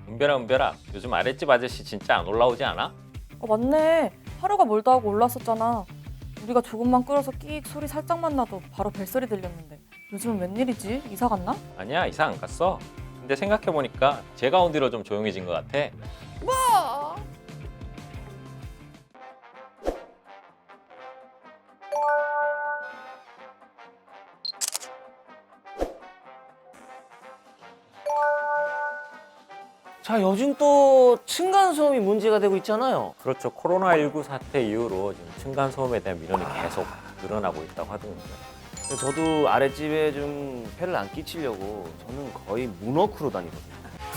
은별아, 요즘 아랫집 아저씨 진짜 안 올라오지 않아? 맞네. 하루가 멀다 하고 올랐었잖아. 우리가 조금만 끓여서 끼익 소리 살짝만 나도 바로 벨소리 들렸는데 요즘은 웬일이지? 이사 갔나? 아니야, 이사 안 갔어. 근데 생각해보니까 제가 온 뒤로 좀 조용해진 것 같아. 자, 요즘 또 층간소음이 문제가 되고 있잖아요. 그렇죠. 코로나19 사태 이후로 지금 층간소음에 대한 민원이 계속 늘어나고 있다고 하더군요. 저도 아랫집에 좀 폐를 안 끼치려고 저는 거의 문워크로 다니거든요.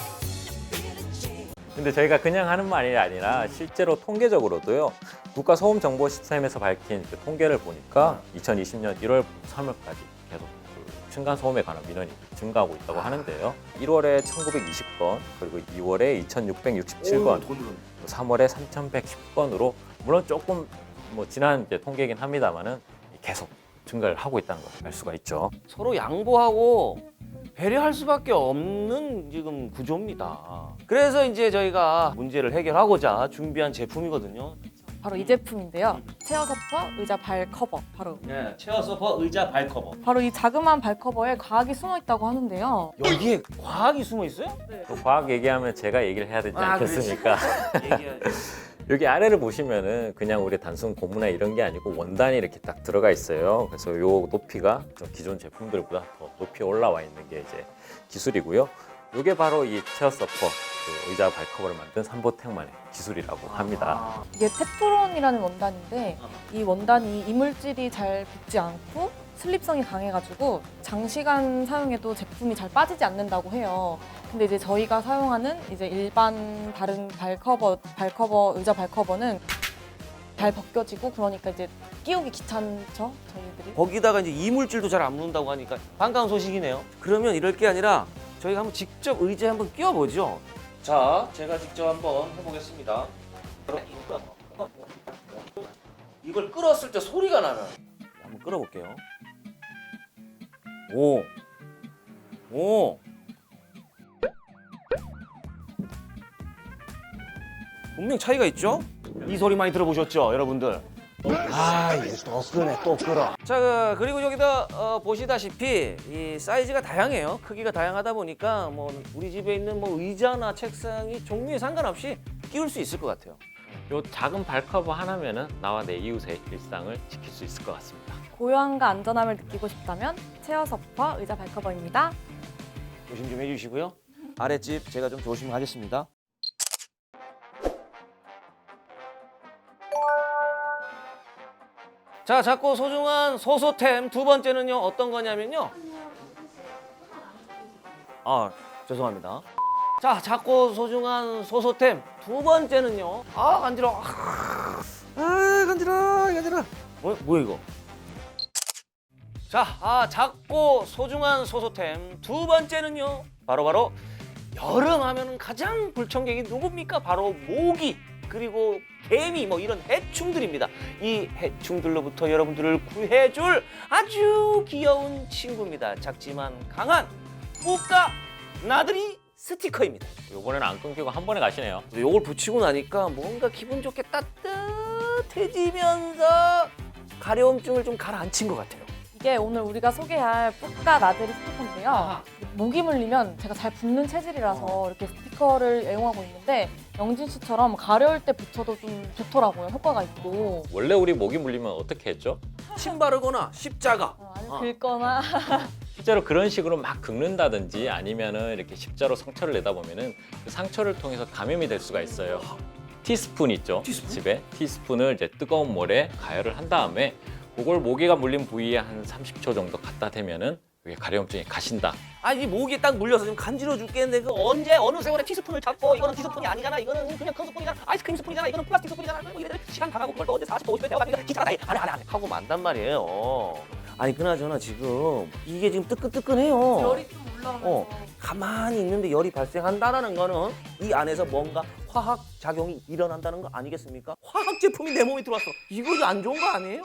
근데 저희가 그냥 하는 말이 아니라 실제로 통계적으로도요. 국가소음정보시스템에서 밝힌 그 통계를 보니까 2020년 1월 3월까지 계속 그 층간소음에 관한 민원이 증가하고 있다고 하는데요. 1월에 1920건, 그리고 2월에 2667건, 3월에 3110건으로 물론 조금 뭐 지난 이제 통계이긴 합니다만은 계속 증가를 하고 있다는 걸 알 수가 있죠. 서로 양보하고 배려할 수밖에 없는 지금 구조입니다. 그래서 이제 저희가 문제를 해결하고자 준비한 제품이거든요. 바로 이 제품인데요. 체어 서퍼 의자 발 커버. 네, 체어 소파 의자 발 커버. 바로 이 자그마한 발 커버에 과학이 숨어 있다고 하는데요. 여기에 과학이 숨어 있어요? 또 과학 얘기하면 제가 얘기를 해야 되지 않겠습니까? 얘기해야죠. 여기 아래를 보시면은 그냥 우리 단순 고무나 이런 게 아니고 원단이 이렇게 딱 들어가 있어요. 그래서 요 높이가 좀 기존 제품들보다 더 높이 올라와 있는 게 이제 기술이고요. 이게 바로 이 체어 서퍼 그 의자 발커버를 만든 삼보택만의 기술이라고 합니다. 이게 테프론이라는 원단인데 이 원단이 이물질이 잘 붙지 않고 슬립성이 강해가지고 장시간 사용해도 제품이 잘 빠지지 않는다고 해요. 근데 이제 저희가 사용하는 이제 일반 다른 의자 발커버는 잘 벗겨지고 그러니까 이제 끼우기 귀찮죠, 저희들이. 거기다가 이제 이물질도 잘 안 묻는다고 하니까 반가운 소식이네요. 그러면 이럴 게 아니라 저희가 한번 직접 의자에 한번 끼워보죠. 자, 제가 직접 한번 해보겠습니다. 이걸 끌었을 때 소리가 나는. 한번 끌어볼게요. 오, 오. 분명 차이가 있죠? 이 소리 많이 들어보셨죠, 여러분들? 아, 이게 또 끄네, 또 끌어. 자, 그리고 여기다 보시다시피 이 사이즈가 다양해요. 크기가 다양하다 보니까 뭐 우리 집에 있는 뭐 의자나 책상이 종류에 상관없이 끼울 수 있을 것 같아요. 요 작은 발커버 하나면은 나와 내 이웃의 일상을 지킬 수 있을 것 같습니다. 고요함과 안전함을 느끼고 싶다면 체어 서퍼 의자 발커버입니다. 조심 좀 해주시고요. 아랫집 제가 좀 조심하겠습니다. 자, 작고 소중한 소소템 두 번째는요, 어떤 거냐면요. 아, 죄송합니다. 자, 작고 소중한 소소템 두 번째는요. 아, 간지러워. 아, 간지러워. 뭐야 이거? 자, 작고 소중한 소소템 두 번째는요. 바로 여름 하면은 가장 불청객이 누굽니까? 바로 모기. 그리고 개미 뭐 이런 해충들입니다. 이 해충들로부터 여러분들을 구해줄 아주 귀여운 친구입니다. 작지만 강한 뿌까 나들이 스티커입니다. 요번에는 안 끊기고 한 번에 가시네요. 요걸 붙이고 나니까 뭔가 기분 좋게 따뜻해지면서 가려움증을 좀 가라앉힌 것 같아요. 이게 오늘 우리가 소개할 뿌까 나들이 스티커인데요. 모기 물리면 제가 잘 붓는 체질이라서 이렇게 스티커를 애용하고 있는데 영진 씨처럼 가려울 때 붙여도 좀 좋더라고요. 효과가 있고. 원래 우리 모기 물리면 어떻게 했죠? 침 바르거나 십자가. 아니면 긁거나 실제로 그런 식으로 막 긁는다든지 아니면은 이렇게 십자로 상처를 내다 보면은 그 상처를 통해서 감염이 될 수가 있어요. 티스푼 있죠? 티스푼? 집에 티스푼을 이제 뜨거운 물에 가열을 한 다음에 그걸 모기가 물린 부위에 한 30초 정도 갖다 대면은 이게 가려움증이 가신다. 아니 모기에 딱 물려서 지금 간지러워 죽겠는데 그 언제 어느 세월에 티스푼을 잡고 이거는 티스푼이 아니잖아, 이거는 그냥 큰 스푼이잖아, 아이스크림 스푼이잖아, 이거는 플라스틱 스푼이잖아, 뭐 이래 시간 다 가고 그걸 또 언제 40분 50분 되어가지고 귀찮아 안해 하고 만단 말이에요. 아니 그나저나 지금 이게 지금 뜨끈뜨끈해요. 열이 좀 올라가면서 가만히 있는데 열이 발생한다는 거는 이 안에서 뭔가 화학 작용이 일어난다는 거 아니겠습니까? 화학 제품이 내 몸에 들어왔어. 이거 안 좋은 거 아니에요?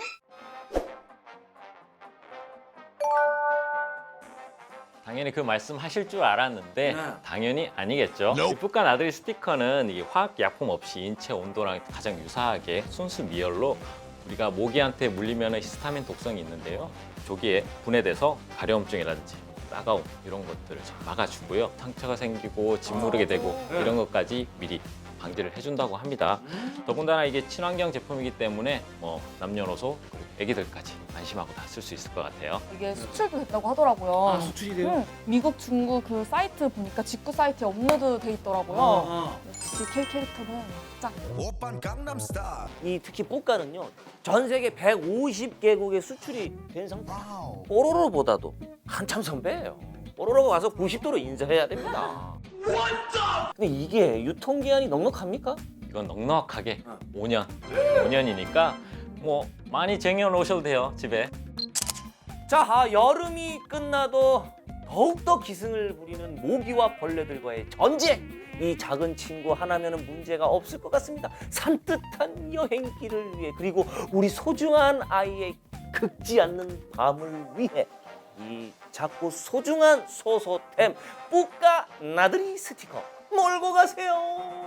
당연히 그 말씀 하실 줄 알았는데 네. 당연히 아니겠죠. 이 뿌까 나들이 스티커는 이 화학 약품 없이 인체 온도랑 가장 유사하게 순수 미열로 우리가 모기한테 물리면 히스타민 독성이 있는데요. 조기에 분해돼서 가려움증이라든지 따가움 이런 것들을 좀 막아주고요. 상처가 생기고 짓무르게 되고 이런 것까지 미리 방지를 해준다고 합니다. 더군다나 이게 친환경 제품이기 때문에 남녀노소 그리고 애기들까지 안심하고 다 쓸 수 있을 것 같아요. 이게 수출도 됐다고 하더라고요. 수출이 미국, 중국 그 사이트 보니까 직구 사이트에 업로드 돼 있더라고요. 역시 K 캐릭터는 짱. 오빤 강남스타일. 이 특히 뿌까는요 전 세계 150개국에 수출이 된 상품. 뽀로로보다도 한참 선배예요. 뽀로로가 와서 90도로 인사해야 됩니다. 근데 이게 유통기한이 넉넉합니까? 이건 넉넉하게 5년이니까 많이 쟁여놓으셔도 돼요, 집에. 자, 여름이 끝나도 더욱더 기승을 부리는 모기와 벌레들과의 전쟁. 이 작은 친구 하나면은 문제가 없을 것 같습니다. 산뜻한 여행길을 위해 그리고 우리 소중한 아이의 긁지 않는 밤을 위해 이 작고 소중한 소소템 뿌까 나들이 스티커 몰고 가세요.